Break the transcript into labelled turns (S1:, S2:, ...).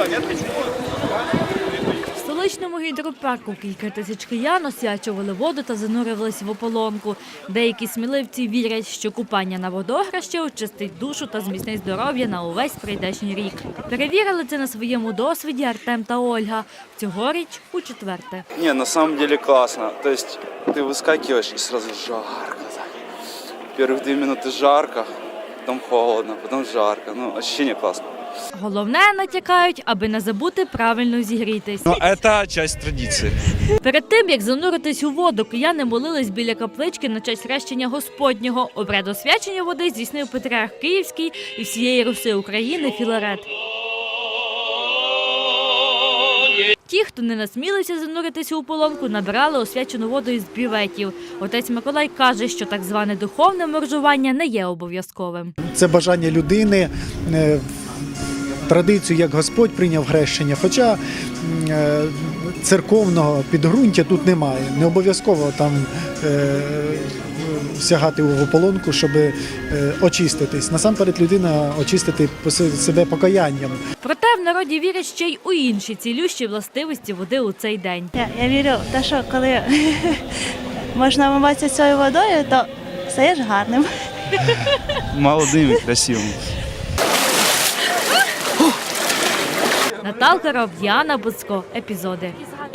S1: В столичному гідропарку кілька тисяч киян освячували воду та занурювалися в ополонку. Деякі сміливці вірять, що купання на водогращі очистить душу та зміцнить здоров'я на увесь прийдешній рік. Перевірили це на своєму досвіді Артем та Ольга. Цьогоріч у четверте.
S2: Не, на самом деле классно. То есть ты выскакиваешь и сразу жарко. Первых 2 минуты жарко, потом холодно, потом жарко. Ну, ощущение классно.
S1: Головне, натякають, аби не забути правильно зігрітись.
S3: Но это часть традиции.
S1: Перед тим, як зануритись у воду, кияни молились біля каплички на честь хрещення Господнього. Обряд освячення води здійснив Патріарх Київський і всієї Руси України Філарет. Ті, хто не насмілився зануритися у полонку, набирали освячену воду із бюветів. Отець Миколай каже, що так зване духовне моржування не є обов'язковим.
S4: Це бажання людини, традицію, як Господь прийняв хрещення, хоча церковного підґрунтя тут немає. Не обов'язково там сягати в ополонку, щоб очиститись. Насамперед людина очистити себе покаянням.
S1: Проте в народі вірять ще й у інші цілющі властивості води у цей день.
S5: Я вірю в те, що коли можна вмиватися цією водою, то стаєш гарним.
S2: Молодым и красивым.
S1: Наталка Ров, Діана Буцко. Епізоди.